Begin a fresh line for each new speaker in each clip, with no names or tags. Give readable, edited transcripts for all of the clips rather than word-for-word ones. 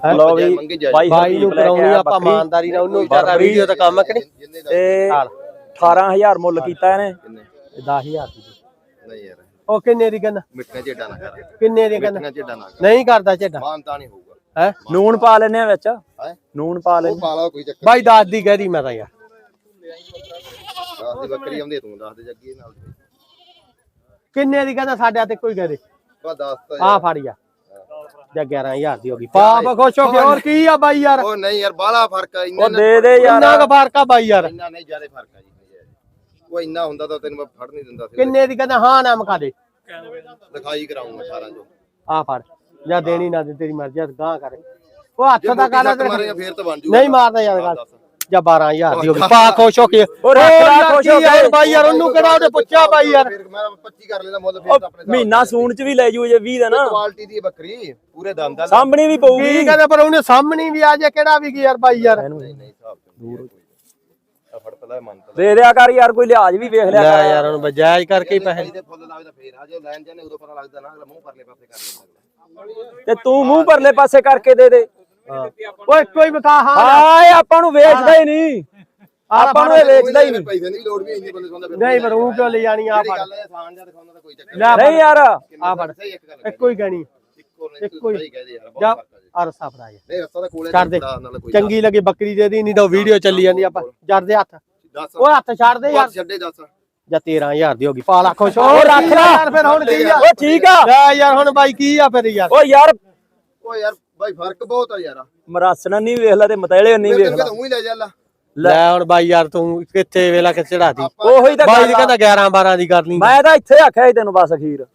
ਲੋ ਵੀ
ਬਾਈ ਨੂੰ ਕਰਾਉਣੀ ਆਪਾਂ ਇਮਾਨਦਾਰੀ ਨਾਲ, ਉਹਨੂੰ ਜ਼ਿਆਦਾ ਵੀਡੀਓ ਦਾ ਕੰਮ ਹੈ ਕਿ ਨਹੀਂ।
ਤੇ 18000 ਮੁੱਲ ਕੀਤਾ ਇਹਨੇ
10000 ਦੀ
ਨਹੀਂ ਯਾਰ
ਉਹ ਕਿੰਨੇ ਦੀ ਕਹਿੰਦਾ?
ਮਿੱਠੀਆਂ ਝੇਡਾਂ ਨਾ ਕਰ,
ਕਿੰਨੇ ਦੀ ਕਹਿੰਦਾ?
ਮਿੱਠੀਆਂ ਝੇਡਾਂ ਨਾ ਕਰ,
ਨਹੀਂ ਕਰਦਾ ਝੇਡਾ
ਮਾਨਤਾ ਨਹੀਂ ਹੋਊਗਾ।
ਹੈ
ਨੂਣ ਪਾ ਲੈਨੇ ਆ ਵਿੱਚ,
ਹੈ
ਨੂਣ ਪਾ
ਉਹ
ਲੈਨੇ
ਪਾ ਲਾ ਕੋਈ ਚੱਕਰ
ਬਾਈ 10 ਦੀ ਕਹਿ ਦੀ ਮੈਂ ਤਾਂ ਯਾਰ।
10 ਦੀ ਬੱਕਰੀ ਆਉਂਦੀ ਤੂੰ 10 ਦੇ ਜੱਗੀ ਨਾਲ
ਕਿੰਨੇ ਦੀ ਕਹਿੰਦਾ? ਸਾਡੇ ਤੇ ਕੋਈ ਕਹਿ ਦੇ।
ਬਾ 10 ਤਾਂ
ਆ ਫੜ ਜਾ ਜਾਂ 11000 ਦੀ ਹੋ ਗਈ। ਪਾਪ ਖੁਸ਼ ਹੋ ਕੇ ਹੋਰ ਕੀ ਆ ਬਾਈ ਯਾਰ।
ਉਹ ਨਹੀਂ ਯਾਰ ਬਾਹਲਾ ਫਰਕ ਆ,
ਉਹ ਦੇ ਦੇ ਯਾਰ,
ਇੰਨਾ ਕੁ ਫਰਕ ਆ ਬਾਈ ਯਾਰ।
ਇੰਨਾ ਨਹੀਂ ਜ਼ਿਆਦਾ ਫਰਕ ਆ ਜੀ। ਉਹ ਇੰਨਾ ਹੁੰਦਾ ਤਾਂ ਤੈਨੂੰ ਮੈਂ ਫੜ ਨਹੀਂ ਦਿੰਦਾ ਸੀ।
ਕਿੰਨੇ ਦੀ ਕਹਿੰਦਾ? ਹਾਂ ਨਾ ਮਕਾ ਦੇ,
ਲਿਖਾਈ ਕਰਾਉਂਗਾ 18 ਜੋ।
ਆ ਫੜ ਜਾਂ ਦੇਣੀ ਨਾ ਦੇ ਤੇਰੀ ਮਰਜ਼ੀ, ਗਾਂ ਕਰ। ਉਹ ਹੱਥ ਦਾ ਕਰ
ਮਾਰੇਗਾ ਫੇਰ ਤਾਂ ਬਣ ਜੂਗਾ।
ਨਹੀਂ ਮਾਰਦਾ ਯਾਰ ਗੱਲ। ਜਾਂ 12000 ਦੀ ਹੋ ਗਈ। ਪਾ ਖੁਸ਼ ਹੋ ਕੇ
ਉਹ ਰੱਖ ਖੁਸ਼ ਹੋ ਕੇ
ਬਾਈ ਯਾਰ। ਉਹਨੂੰ ਕਿਹੜਾ ਉਹਨੇ ਪੁੱਛਿਆ ਬਾਈ ਯਾਰ।
ਫਿਰ ਮੈਂ 25 ਕਰ ਲੈਂਦਾ ਮੁੱਲ, ਫੇਰ ਤਾਂ ਆਪਣੇ
ਮਹੀਨਾ ਸੂਣ ਚ ਵੀ ਲੈ ਜੂ ਜੇ 20 ਦਾ ਨਾ।
ਕੁਆਲਿਟੀ ਦੀ ਬੱਕਰੀ ਪੂਰੇ ਦੰਦ ਦਾ
ਸਾਹਮਣੇ ਵੀ ਪਊਗੀ।
ਕੀ ਕਹਿੰਦੇ ਪਰ ਉਹਨੇ ਸਾਹਮਣੇ ਵੀ ਆ ਜੇ ਕਿਹੜਾ ਵੀ ਯਾਰ ਬਾਈ ਯਾਰ।
ਨਹੀਂ ਹਿਸਾਬ ਦੂਰ ਫੜ ਪਹਿਲਾਂ ਮੰਨਤਾ
ਦੇ ਦਿਆ ਕਰ ਯਾਰ, ਕੋਈ ਲਿਹਾਜ਼ ਵੀ ਵੇਖ ਲਿਆ
ਲੈ
ਕਰ
ਯਾਰ। ਉਹਨੂੰ ਬਜਾਇਜ਼ ਕਰਕੇ ਹੀ ਪੈਸੇ
ਦੇ ਫੁੱਲ ਲੱਗਦਾ ਫੇਰ ਆ ਜੇ ਲੈਣ ਜਾਣੇ ਉਦੋਂ ਪਤਾ ਲੱਗਦਾ ਨਾ, ਅਗਲਾ ਮੂੰਹ ਪਰਲੇ ਪਾਸੇ ਕਰ ਲੈਂਦਾ।
ਤੇ ਤੂੰ ਮੂੰਹ ਪਰਲੇ ਪਾਸੇ ਕਰਕੇ ਦੇ ਦੇ।
ਓਏ ਕੋਈ ਬਤਾ। ਹਾਂ
ਹਾਏ ਆਪਾਂ ਨੂੰ ਵੇਚਦਾ ਹੀ ਨਹੀਂ, ਆਪਾਂ ਨੂੰ ਇਹ ਵੇਚਦਾ ਹੀ ਨਹੀਂ।
ਪੈਸੇ ਦੀ ਲੋੜ ਵੀ ਇੰਨੇ ਬੰਦੇ ਸੌਂਦਾ ਫਿਰ
ਨਹੀਂ ਪਰ ਉਹ ਕਿਉਂ ਲੈ ਜਾਣੀ? ਆ ਫੜ
ਗੱਲ ਹੈ, ਆਸਾਨ ਜਿਹਾ ਦਿਖਾਉਂਦਾ ਤਾਂ ਕੋਈ ਚੱਕਰ
ਨਹੀਂ ਯਾਰ,
ਆ ਫੜ
ਸਹੀ ਇੱਕ ਗੱਲ
ਇੱਕੋ ਹੀ ਕਹਿਣੀ।
ਇੱਕੋ ਹੀ ਕਹਦੇ ਯਾਰ
ਜਾ
ਬਹੁਤ ਫਰਕ ਆ ਜੀ।
ਆ ਰਸਾ ਫੜਾ ਜਾ।
ਨਹੀਂ ਰਸਤਾ ਤਾਂ ਕੋਲੇ
ਛੱਡ ਦੇ।
ਨਾਲ ਕੋਈ
ਚੰਗੀ ਲੱਗੀ ਬੱਕਰੀ ਦੇ ਦੀ, ਨਹੀਂ ਤਾਂ ਵੀਡੀਓ ਚੱਲੀ ਜਾਂਦੀ। ਆਪਾਂ ਜੜ ਦੇ ਹੱਥ।
10
ਓਏ ਹੱਥ ਛੱਡ ਦੇ ਯਾਰ।
ਛੱਡੇ 10
ਜਾਂ 13000 ਦੀ ਹੋ ਗਈ। ਪਾ ਲਾ ਖੁਸ਼ ਹੋ।
ਉਹ ਰੱਖ ਲੈ
ਯਾਰ ਫਿਰ ਹੁਣ ਕੀ ਆ?
ਉਹ ਠੀਕ ਆ।
ਲੈ ਯਾਰ ਹੁਣ ਬਾਈ ਕੀ ਆ ਫਿਰ ਯਾਰ।
ਓ ਯਾਰ
ਓ ਯਾਰ ਬਾਈ ਫਰਕ ਬਹੁਤ ਆ ਯਾਰ।
ਮਰਾਸਣਾ ਨਹੀਂ ਵੇਖ ਲਾ ਤੇ ਮਤੇਲੇ ਨਹੀਂ ਵੇਖ ਲਾ।
ਤੂੰ ਹੀ ਲੈ ਜਾ ਲਾ।
ਲੈ ਹੁਣ ਬਾਈ ਯਾਰ ਤੂੰ ਕਿੱਥੇ ਵੇਲਾ ਕਿ ਚੜਾਤੀ।
ਉਹੀ ਤਾਂ
ਬਾਈ ਕਹਿੰਦਾ 11 12 ਦੀ ਕਰ ਲਈ।
ਮੈਂ ਤਾਂ ਇੱਥੇ ਆਖਿਆ ਸੀ ਤੈਨੂੰ ਬਸ ਅਖੀਰ।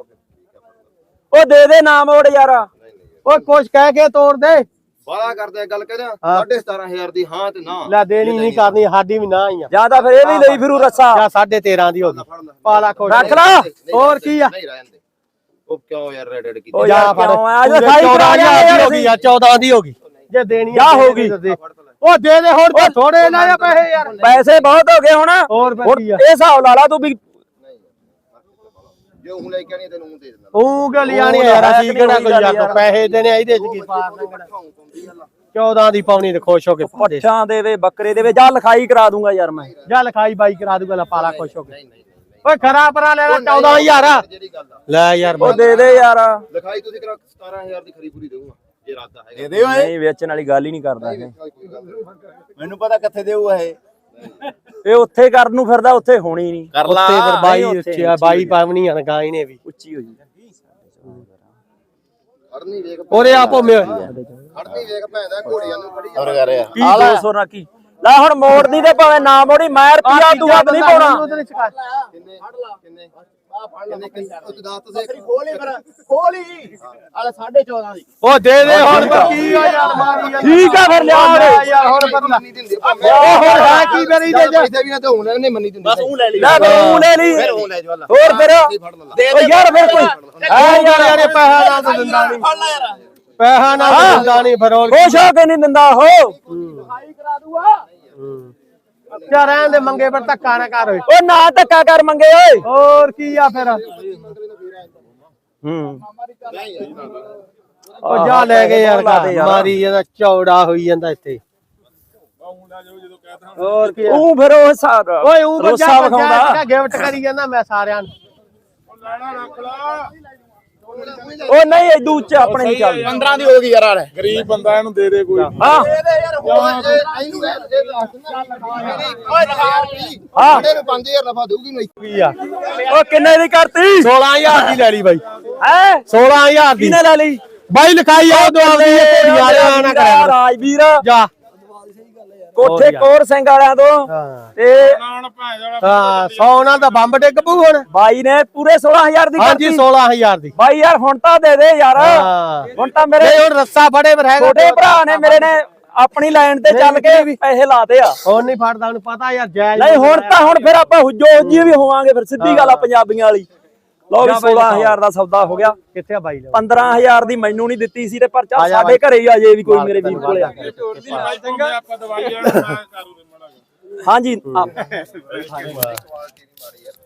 ਉਹ ਦੇ ਦੇ ਨਾ ਮੋੜ ਯਾਰ।
ਓਏ ਕੁਛ ਕਹਿ ਕੇ ਤੋੜ ਦੇ।
ਬਾਲਾ ਕਰਦੇ ਗੱਲ ਕਹਿੰਦਾ 17500 ਦੀ ਹਾਂ ਤੇ ਨਾ।
ਲੈ ਦੇਣੀ ਨਹੀਂ ਕਰਨੀ, ਸਾਡੀ ਵੀ ਨਾ ਹੀ ਆ।
ਜਾਂ ਤਾਂ ਫਿਰ ਇਹ ਵੀ ਲਈ ਫਿਰੂ ਰੱਸਾ।
ਜਾਂ 13.5 ਦੀ ਹੋ ਗਈ। ਪਾ ਲਾ ਖੁਸ਼।
ਰੱਖ ਲਾ।
ਹੋਰ ਕੀ ਆ?
ਨਹੀਂ ਰਹਿਣ ਦੇ। ਉਹ ਕਿਉਂ ਯਾਰ ਰੈਡ ਕੀਤੀ?
ਉਹ
ਜਾ
ਯਾਰ
ਫੜ।
ਕਿਉਂ ਆ? ਅੱਜ ਲਿਖਾਈ ਕਰਾ
14000 ਦੀ ਹੋ ਗਈ ਆ। 14 ਦੀ ਹੋ ਗਈ। ਜੇ ਦੇਣੀ
ਜਾ ਹੋ ਗਈ।
ਉਹ ਦੇ ਦੇ ਹੁਣ। ਤਾਂ ਥੋੜੇ ਨਾ ਆ ਪੈਸੇ ਯਾਰ।
ਪੈਸੇ ਬਹੁਤ ਹੋ ਗਏ ਹੁਣ।
ਹੋਰ
ਹੁਣ
ਕੀ ਆ?
ਇਹ ਹਿਸਾਬ ਲਾ ਲਾ ਤੂੰ ਵੀ।
ਜੇ ਉਹ ਲੈ ਕੇ ਆਣੀ ਤੈਨੂੰ ਉਹ ਦੇ ਦਿੰਦਾ।
ਉਹ ਕਿਉਂ ਲਿਆਣੀ ਯਾਰ? ਅਸੀਂ ਕਿਹੜਾ ਕੋਈ ਯਾਰ ਪੈਸੇ ਦੇਣੇ ਇਹਦੇ ਚ ਕੀ ਪਾਰ ਲੰਘਣਾ। 14 ਦੀ ਪਾਉਣੀ ਤੇ ਖੁਸ਼ ਹੋ ਕੇ
ਪੱਠਾਂ ਦੇਵੇ ਬੱਕਰੇ ਦੇਵੇ, ਜਾ ਲਿਖਾਈ ਕਰਾ ਦੂੰਗਾ ਯਾਰ ਮੈਂ।
ਜਾ ਲਿਖਾਈ ਬਾਈ ਕਰਾ ਦੂਗਾ। ਲਾ ਪਾਲਾ ਖੁਸ਼ ਹੋ ਕੇ।
ਨਹੀਂ ਨਹੀਂ
ਓਏ ਖਰਾ ਪਰਾ ਲੈ ਲੈ 14000
ਜਿਹੜੀ ਗੱਲ ਆ
ਲੈ ਯਾਰ।
ਉਹ ਦੇ ਦੇ ਯਾਰ।
ਲਿਖਾਈ ਤੁਸੀਂ ਕਰਾ 17000 ਦੀ ਖਰੀ ਪੂਰੀ ਦੇਊਗਾ ਜੇ ਇਰਾਦਾ ਹੈਗਾ।
ਨਹੀਂ ਵੇਚਣ ਵਾਲੀ ਗੱਲ ਹੀ ਨਹੀਂ ਕਰਦਾ ਇਹ।
ਮੈਨੂੰ ਪਤਾ ਕਿੱਥੇ ਦੇਊਗਾ
ਇਹ ਉੱਥੇ ਕਰਨ ਨੂੰ ਫਿਰਦਾ, ਉੱਥੇ ਹੋਣੀ ਨਹੀਂ।
ਕਰ ਲਾ।
ਉੱਤੇ ਫਿਰ ਬਾਈ ਉੱਚੀ ਆ। ਬਾਈ ਪਾਵਣੀ ਆ ਗਾਈ ਨੇ ਵੀ
ਉੱਚੀ ਹੋ ਜੀ।
ਖੜਨੀ ਵੇਖ
ਉਹਦੇ ਆਪੋ ਮੇ
ਖੜਨੀ ਵੇਖ ਭੈਂਦਾ ਘੋੜੀਆਂ ਨੂੰ ਖੜੀ
ਹੋਰ ਕਰ ਰਿਹਾ
ਕੀ 200 ਨਾ ਕੀ ਲੈ ਹੁਣ ਮੋੜਦੀ ਤੇ ਭਾਵੇਂ ਨਾ ਮੋੜੀ, ਮੈਂ ਰੁਪਿਆ ਤੂੰ ਵੱਧ ਨਹੀਂ ਪਾਉਣਾ।
ਕਿੰਨੇ ਕਿੰਨੇ ਉਹ ਤੂੰ ਦੱਸ ਤੇ
ਖੋਲੀ ਫਿਰ ਖੋਲੀ ਆਲੇ 14.5 ਦੀ।
ਉਹ ਦੇ ਦੇ ਹੁਣ ਕੀ ਆ ਯਾਰ। ਮਾਰੀ ਯਾਰ।
ਠੀਕ ਆ ਫਿਰ ਲਿਆ
ਯਾਰ ਹੁਣ ਬਦਲਾ।
ਮੰਨੀ ਦਿੰਦੇ
ਉਹ ਹੁਣ ਹੈ ਕੀ ਮੇਰੀ ਦੇ ਜਾ।
ਪੈਸੇ ਵੀ ਨਾ ਤੇ ਹੁਣ ਨਹੀਂ ਮੰਨੀ ਦਿੰਦੇ।
ਬਸ ਉਹ ਲੈ ਲਈ।
ਲੈ ਤੂੰ ਲੈ ਲਈ।
ਫਿਰ ਉਹ ਲੈ ਜਾ ਲਾ।
ਹੋਰ ਫਿਰ
ਫੜ ਲਾ।
ਉਹ ਯਾਰ ਫਿਰ ਕੋਈ
ਐ ਯਾਰ ਇਹ ਪੈਸਾ ਨਾ ਤਾਂ ਦਿੰਦਾ ਨਹੀਂ।
ਫੜ ਲੈ ਯਾਰ।
ਪੈਸਾ ਨਾ ਤਾਂ ਦਿੰਦਾ ਨਹੀਂ ਫਿਰ ਹੋਰ
ਖੁਸ਼ ਹੋ ਕੇ ਨਹੀਂ ਦਿੰਦਾ ਉਹ।
ਲਿਖਾਈ ਕਰਾ ਦੂਗਾ।
ਯਾਰ ਰਹਿਣ ਦੇ ਮੰਗੇ ਪਰ ਧੱਕਾ ਨਾ ਕਰ ਓਏ।
ਉਹ ਨਾ ਧੱਕਾ ਕਰ ਮੰਗੇ ਓਏ।
ਹੋਰ ਕੀ ਆ ਫਿਰ। ਉਹ ਜਾ ਲੈ ਕੇ ਯਾਰ ਮਾਰੀ ਜਾਂਦਾ ਚੌੜਾ ਹੋਈ ਜਾਂਦਾ ਇੱਥੇ। ਹੋਰ ਕੀ
ਉਹ ਫਿਰ ਉਹ ਹਿਸਾਬ
ਓਏ ਉਹ
ਰੋਸਾ ਵਿਖਾਉਂਦਾ।
ਗਿਫਟ ਕਰੀ ਜਾਂਦਾ ਮੈਂ ਸਾਰਿਆਂ ਨੂੰ।
ਉਹ ਨਹੀਂ ਇਦੂ ਉੱਚ ਆਪਣੇ ਨਹੀਂ ਚੱਲਦੀ।
15 ਦੀ ਹੋ ਗਈ ਯਾਰ ਆਲੇ।
ਗਰੀਬ ਬੰਦਾ ਇਹਨੂੰ ਦੇ ਦੇ ਕੋਈ।
ਹਾਂ
ਦੇ ਦੇ ਯਾਰ ਹੋਰ।
ਹਾਂ
ਸਾਡੇ ਨੂੰ 5000 ਨਫਾ ਦੇਊਗੀ ਨਹੀਂ।
ਕੀ ਆ?
ਉਹ ਕਿੰਨੇ ਦੀ ਕਰਤੀ?
16000 ਦੀ ਲੈ ਲਈ ਬਾਈ।
ਹੈ
16000 ਦੀ
ਕਿਨੇ ਲੈ ਲਈ?
ਬਾਈ ਲਿਖਾਈ ਆ ਦੋ ਆਉਂਦੀ ਹੈ ਘੋੜੀ ਵਾਲਿਆਂ ਨਾ ਕਰਿਆ ਕਰੋ।
ਰਾਜਵੀਰ
ਜਾ
ਕੋਠੇ ਕੋਰ ਸਿੰਘ ਵਾਲਿਆਂ ਤੋਂ
ਹਾਂ
ਤੇ
ਹਾਂ 100 ਨਾਲ ਤਾਂ ਬੰਬ ਡਿੱਗ ਪੂ ਹੁਣ।
ਬਾਈ ਨੇ ਪੂਰੇ 16000 ਦੀ
ਹਾਂਜੀ
ਕਰਤੀ।
16000 ਦੀ।
ਬਾਈ ਯਾਰ ਹੁਣ ਤਾਂ ਦੇ ਦੇ ਯਾਰ।
ਹਾਂ
ਹੁਣ ਤਾਂ ਮੇਰੇ
ਇਹ ਹੁਣ ਰੱਸਾ ਫੜੇ ਪਰ ਹੈਗਾ।
ਛੋਟੇ ਭਰਾ ਨੇ ਮੇਰੇ ਨੇ ਆਪਣੀ ਲਾਈਨ ਤੇ ਚੱਲ ਕੇ ਪੈਸੇ ਲਾਤੇ ਆ।
ਹੁਣ ਨਹੀਂ ਫੜਦਾ ਉਹਨੂੰ ਪਤਾ ਯਾਰ ਜਾਇਜ਼
ਨਹੀਂ ਹੁਣ ਤਾਂ ਹੁਣ ਫਿਰ ਆਪਾਂ ਹੁਜੋ ਹੁਜੀ ਵੀ ਹੋਵਾਂਗੇ ਫਿਰ ਸਿੱਧੀ ਗੱਲ ਆ ਪੰਜਾਬੀਆਂ ਵਾਲੀ। ਲਓ ਵੀ 16000 ਦਾ ਸੌਦਾ ਹੋ ਗਿਆ।
ਕਿੱਥੇ ਆ ਬਾਈ?
15000 ਦੀ ਮੈਨੂੰ ਨਹੀਂ ਦਿੱਤੀ ਸੀ ਤੇ ਪਰ ਚੱਲ ਸਾਡੇ ਘਰੇ ਹੀ ਆ ਜੇ ਵੀ ਕੋਈ ਮੇਰੇ ਵੀਰ ਕੋਲੇ ਆ।
ਆਪਾਂ ਦਵਾਈਆਂ
ਹਾਂਜੀ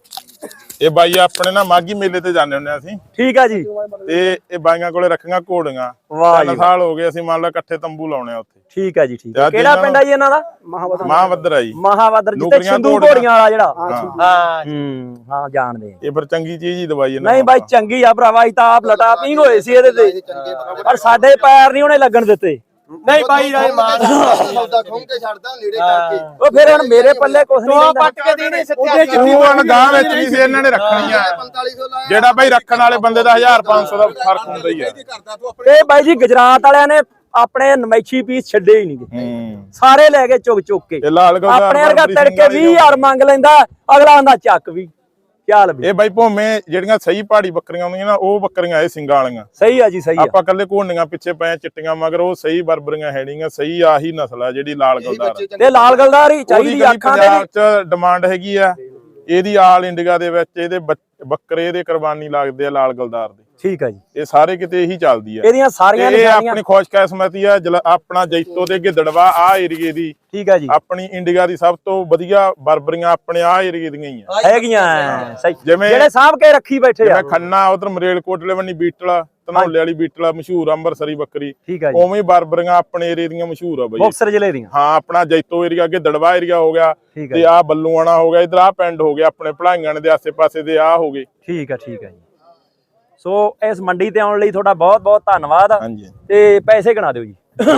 ਇਹ ਬਾਈ ਆਪਣੇ ਨਾ ਮਾਗੀ ਮੇਲੇ ਤੇ ਜਾਂਦੇ ਹੁੰਦੇ ਅਸੀਂ
ਠੀਕ ਆ ਜੀ।
ਤੇ ਇਹ ਬਾਈਆਂ ਕੋਲੇ ਰੱਖੀਆਂ ਘੋੜੀਆਂ।
ਵਾਹ
3 ਸਾਲ ਹੋ ਗਏ ਅਸੀਂ ਮੰਨ ਲਓ ਇਕੱਠੇ ਤੰਬੂ ਲਾਉਣੇ ਆ ਉੱਥੇ।
ਠੀਕ ਆ ਜੀ ਠੀਕ
ਤੇ
ਆ।
ਅੱਜ
ਕਿਹੜਾ
ਇਹਨਾਂ
ਪਿੰਡ ਆ ਜੀ ਇਹਨਾਂ ਦਾ?
ਮਹਾਵੱਦਰ ਆ ਜੀ।
ਮਹਾਵੱਦਰ ਜਿੱਥੇ
ਨੌਕਰੀਆਂ
ਸਿੰਧੂ
ਘੋੜੀਆਂ।
ਘੋੜੀਆਂ ਵਾਲਾ ਜਿਹੜਾ।
ਹਾਂ
ਹਾਂ ਜਾਣਦੇ ਆ।
ਇਹ ਫਿਰ ਚੰਗੀ ਚੀਜ਼ ਹੀ ਦਵਾਈ ਇਹਨਾਂ
ਨਹੀਂ ਬਾਈ ਚੰਗੀ ਆ ਭਰਾਵਾ, ਅਸੀਂ ਤਾਂ ਆਪ ਲਟਾ ਪੀਂਗ ਹੋਏ ਸੀ ਇਹਦੇ ਤੇ, ਪਰ ਸਾਡੇ ਪੈਰ ਨਹੀਂ ਉਹਨੇ ਲੱਗਣ ਦਿੱਤੇ।
ਨਹੀਂ ਬਾਈ ਰਾਏ ਮਾਰ
ਸੌਦਾ ਖੁੰਮ ਕੇ ਛੱਡਦਾ ਲੀੜੇ ਕਰਕੇ।
ਉਹ ਫਿਰ ਹੁਣ ਮੇਰੇ ਪੱਲੇ ਕੁਛ ਨਹੀਂ ਰਹਿੰਦਾ।
ਪੱਟ ਕੇ ਦੇਣੇ
ਉਹਦੇ ਚਿੱਟੀ ਵਣ ਗਾਂ ਵਿੱਚ ਵੀ ਸੀ ਇਹਨਾਂ ਨੇ ਰੱਖਣੀਆਂ।
4500 ਲਾਇਆ
ਜਿਹੜਾ ਬਾਈ ਰੱਖਣ ਵਾਲੇ ਬੰਦੇ ਦਾ 1500 ਦਾ ਫਰਕ ਹੁੰਦਾ ਹੀ ਆ।
ਇਹ ਬਾਈ ਜੀ ਗੁਜਰਾਤ ਵਾਲਿਆਂ ਨੇ ਆਪਣੇ ਨਮੈਸ਼ੀ ਪੀਸ ਛੱਡੇ ਹੀ ਨਹੀਂ, ਸਾਰੇ ਲੈ ਕੇ ਚੁੱਕ ਚੁੱਕ ਕੇ।
ਇਹ ਲਾਲ ਗੋਦਾਰ
ਆਪਣੇ ਵਰਗਾ ਤੜਕੇ 20000 ਮੰਗ ਲੈਂਦਾ, ਅਗਲਾ ਆਂਦਾ ਚੱਕ ਵੀ ਚੱਲ ਵੀ।
ਇਹ ਬਾਈ ਭੋਵੇਂ ਜਿਹੜੀਆਂ ਸਹੀ ਪਹਾੜੀ ਬੱਕਰੀਆਂ ਹੁੰਦੀਆਂ ਨਾ, ਉਹ ਬੱਕਰੀਆਂ ਇਹ ਸਿੰਗਾਂ ਵਾਲੀਆਂ।
ਸਹੀ ਆ ਜੀ ਸਹੀ ਆ।
ਆਪਾਂ ਕੱਲੇ ਘੋੜੀਆਂ ਪਿੱਛੇ ਪਏ ਚਿੱਟੀਆਂ ਮਗਰ, ਉਹ ਸਹੀ ਬਰਬਰੀਆਂ ਹੈ ਨਹੀਂਆਂ। ਸਹੀ ਆਹੀ ਨਸਲ ਆ ਜਿਹੜੀ ਲਾਲ ਗੋਦਾਰ।
ਤੇ ਲਾਲ ਗਲਦਾਰ ਹੀ ਚਾਹੀਦੀ
ਉਹਦੀ
ਅੱਖਾਂ ਦੇ
ਪੰਜਾਬ 'ਚ ਡਿਮਾਂਡ ਹੈਗੀ ਆ। ਇਹਦੀ ਆਲ ਇੰਡੀਆ ਦੇ ਵਿੱਚ ਇਹਦੇ ਬੱਕਰੇ ਦੇ ਕੁਰਬਾਨੀ ਲੱਗਦੇ ਆ ਲਾਲ ਗਲਦਾਰ ਦੇ।
ਠੀਕ ਆ ਜੀ।
ਇਹ ਸਾਰੇ ਕਿਤੇ ਇਹੀ ਚੱਲਦੀ ਆ।
ਇਹਦੀਆਂ ਸਾਰੀਆਂ
ਇਹ
ਨਿਸ਼ਾਨੀਆਂ
ਆਪਣੀ ਖੁਸ਼ਕਿਸਮਤੀ ਆ। ਆਪਣਾ ਜੈਤੋ ਤੇ ਗਿੱਦੜਵਾ ਆ ਏਰੀਏ ਦੀ,
ਠੀਕ ਆ ਜੀ,
ਆਪਣੀ ਇੰਡੀਆ ਦੀ ਸਭ ਤੋਂ ਵਧੀਆ ਬਰਬਰੀਆਂ ਆਪਣੇ ਆ ਏਰੀਏ ਦੀਆਂ ਹੀ ਆ।
ਹੈਗੀਆਂ ਸਹੀ,
ਜਿਵੇਂ
ਜਿਹੜੇ ਸਾਂਭ ਕੇ ਰੱਖੀ ਬੈਠੇ ਆ।
ਜਿਵੇਂ ਖੰਨਾ ਉਧਰ ਮਰੇਲਕੋਟਲੇ ਵੰਨੀ ਬੀਟਲ, ਧਨੌਲੇ ਵਾਲੀ ਬੀਟਲ ਮਸ਼ਹੂਰ ਅੰਮ੍ਰਿਤਸਰੀ ਬੱਕਰੀ।
ਠੀਕ ਆ ਜੀ।
ਉਵੇਂ ਹੀ ਬਰਬਰੀਆਂ ਆਪਣੇ ਏਰੀਏ ਦੀਆਂ ਮਸ਼ਹੂਰ ਆ ਬਾਈ।
ਮੁਕਤਸਰ ਜ਼ਿਲ੍ਹੇ ਦੀਆਂ।
ਹਾਂ ਆਪਣਾ ਜੈਤੋ ਏਰੀਆ ਗਿੱਦੜਵਾ ਏਰੀਆ ਹੋ ਗਿਆ,
ਠੀਕ ਆ
ਤੇ ਆ ਬੱਲੂਆਣਾ ਹੋ ਗਿਆ, ਇਧਰ ਆ ਪਿੰਡ ਹੋ ਗਿਆ ਆਪਣੇ ਭਲਾਈਆਂ ਦੇ ਆਸੇ-ਪਾਸੇ ਦੇ ਆ ਹੋ ਗਏ।
ਠੀਕ ਆ ਜੀ। ਸੋ ਇਸ ਮੰਡੀ ਤੇ ਆਉਣ ਲਈ ਤੁਹਾਡਾ ਬਹੁਤ ਬਹੁਤ ਧੰਨਵਾਦ।
ਹਾਂਜੀ
ਤੇ ਪੈਸੇ ਗਿਣਾ ਦਿਓ ਜੀ।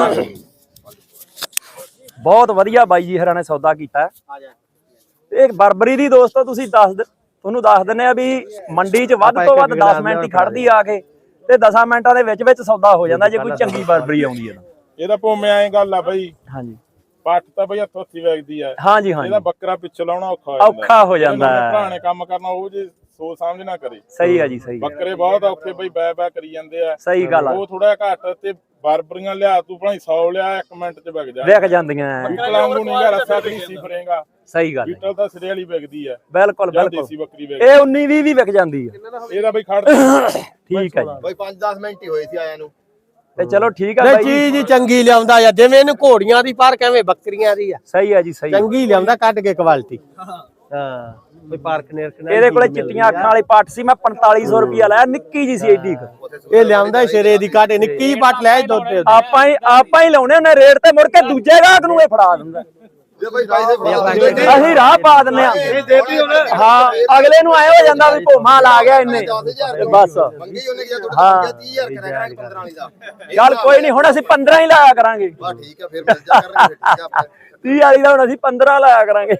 ਬਹੁਤ ਵਧੀਆ ਬਾਈ ਜੀ ਹਰਾਂ ਨੇ ਸੌਦਾ ਕੀਤਾ। ਇਹ ਬਰਬਰੀ ਦੀ ਦੋਸਤੋ ਤੁਸੀਂ ਤੁਹਾਨੂੰ ਦੱਸ ਦਿੰਨੇ ਆ ਵੀ ਮੰਡੀ 'ਚ ਵੱਧ ਤੋਂ ਵੱਧ 10 ਮਿੰਟ ਹੀ ਖੜਦੀ ਆ ਕੇ, ਤੇ 10 ਮਿੰਟਾਂ ਦੇ ਵਿੱਚ ਸੌਦਾ ਹੋ ਜਾਂਦਾ ਜੇ ਕੋਈ ਚੰਗੀ ਬਰਬਰੀ ਆਉਂਦੀ ਹੈ ਤਾਂ।
ਇਹਦਾ ਭੋਵੇਂ ਐਂ ਗੱਲ ਆ ਬਾਈ,
ਹਾਂਜੀ
ਪੱਟ ਤਾਂ ਬਈ ਹੱਥੋਂ ਹੱਥੀ ਵੇਚਦੀ ਆ।
ਹਾਂਜੀ
ਇਹਦਾ ਬੱਕਰਾ ਪਿੱਛੇ ਲਾਉਣਾ
ਔਖਾ ਹੋ ਜਾਂਦਾ ਹੈ।
ਭਰਾਣੇ ਕੰਮ ਕਰਨਾ ਉਹ ਜੇ ਸੋਚ ਸਮਝ ਨਾ ਕਰੇ।
ਸਹੀ ਆ ਜੀ ਸਹੀ ਆ।
ਬੱਕਰੇ ਬਹੁਤ ਔਖੇ ਬਈ ਬੈ ਕਰੀ ਜਾਂਦੇ ਆ।
ਸਹੀ ਗੱਲ ਆ।
ਉਹ ਥੋੜਾ ਘੱਟ ਤੇ ਬਰਬਰੀਆਂ ਲਿਆ ਤੂੰ ਭਾਈ 100 ਲਿਆ 1 ਮਿੰਟ 'ਚ ਵਿਕ ਜਾ।
ਵਿਕ ਜਾਂਦੀਆਂ।
ਬੀਟਲ ਵਾਂਗੂ ਨਹੀਂ ਗਾ, ਰੱਸਾ ਤੇ ਨਹੀਂ ਫਰੇਗਾ।
ਸਹੀ ਗੱਲ
ਬੀਟਲ ਤਾਂ ਸਿਰੇ ਵਾਲੀ ਵਿਕਦੀ ਆ।
ਬਿਲਕੁਲ
ਦੇਸੀ ਬੱਕਰੀ ਵਿਕਦੀ।
ਇਹ 19-20 ਵੀ ਵਿਕ ਜਾਂਦੀ ਆ।
ਇਹਦਾ ਬਈ ਖੜ
ਠੀਕ ਆ ਜੀ।
ਬਈ 5-10 ਮਿੰਟ ਹੀ ਹੋਏ ਸੀ ਆਇਆਂ ਨੂੰ।
ਤੇ ਚਲੋ ਠੀਕ ਆ
ਨਹੀਂ
ਬਾਈ ਜੀ।
ਚੀਜ਼ ਹੀ ਚੰਗੀ ਲਿਆਉਂਦਾ ਆ, ਜਿਵੇਂ ਇਹਨੂੰ ਘੋੜੀਆਂ ਦੀ ਪਰ ਕਿਵੇਂ ਬੱਕਰੀਆਂ ਦੀ ਆ।
ਸਹੀ ਆ ਜੀ ਸਹੀ ਆ।
ਚੰਗੀ ਲਿਆਉਂਦਾ ਕੱਢ ਕੇ ਕੁਆਲਿਟੀ। ਹਾਂ ਕੋਈ ਪਾਰਕ ਨੇਰ
ਇਹਦੇ ਕੋਲੇ ਚਿੱਟੀਆਂ ਅੱਖਾਂ ਵਾਲੀ ਪੱਟ ਸੀ, ਮੈਂ 4500 ਰੁਪਿਆ ਲਾਇਆ, ਨਿੱਕੀ ਜੀ ਸੀ ਏਡੀ
ਇਹ ਲਿਆਉਂਦਾ ਸਿਰੇ ਦੀ ਕਾਟੇ ਨਿੱਕੀ ਪੱਟ ਲੈ ਦੁੱਧ ਦੇ।
ਆਪਾਂ ਹੀ ਲਾਉਣੇ ਉਹਨੇ ਰੇਟ ਤੇ ਮੁੜ ਕੇ ਦੂਜੇ ਗਾਹਕ ਨੂੰ ਇਹ ਫੜਾ ਦਿੰਦਾ।
ਜੇ ਬਈ ਪੈਸੇ
ਅਸੀਂ ਰਾਹ ਪਾ ਦਿੰਨੇ ਆ। ਹਾਂ ਅਗਲੇ ਨੂੰ ਐ ਹੋ ਜਾਂਦਾ ਵੀ ਭੋਮਾ ਲਾ ਗਿਆ ਇਹਨੇ, ਬਸ
ਮੰਗੀ ਉਹਨੇ ਕਿਹਾ ਤੁਹਾਡਾ 30000 ਕਰਾਂਗੇ 15 ਵਾਲੀ ਦਾ।
ਚੱਲ ਕੋਈ ਨਹੀਂ, ਹੁਣ ਅਸੀਂ 15 ਹੀ ਲਾਇਆ ਕਰਾਂਗੇ।
ਬਾ ਠੀਕ ਆ ਫਿਰ ਮਿਲ ਜਾ ਕਰਾਂਗੇ। ਠੀਕ ਆ ਆਪਾਂ
30 ਵਾਲੀ ਦਾ ਹੁਣ ਅਸੀਂ 15 ਲਾਇਆ ਕਰਾਂਗੇ।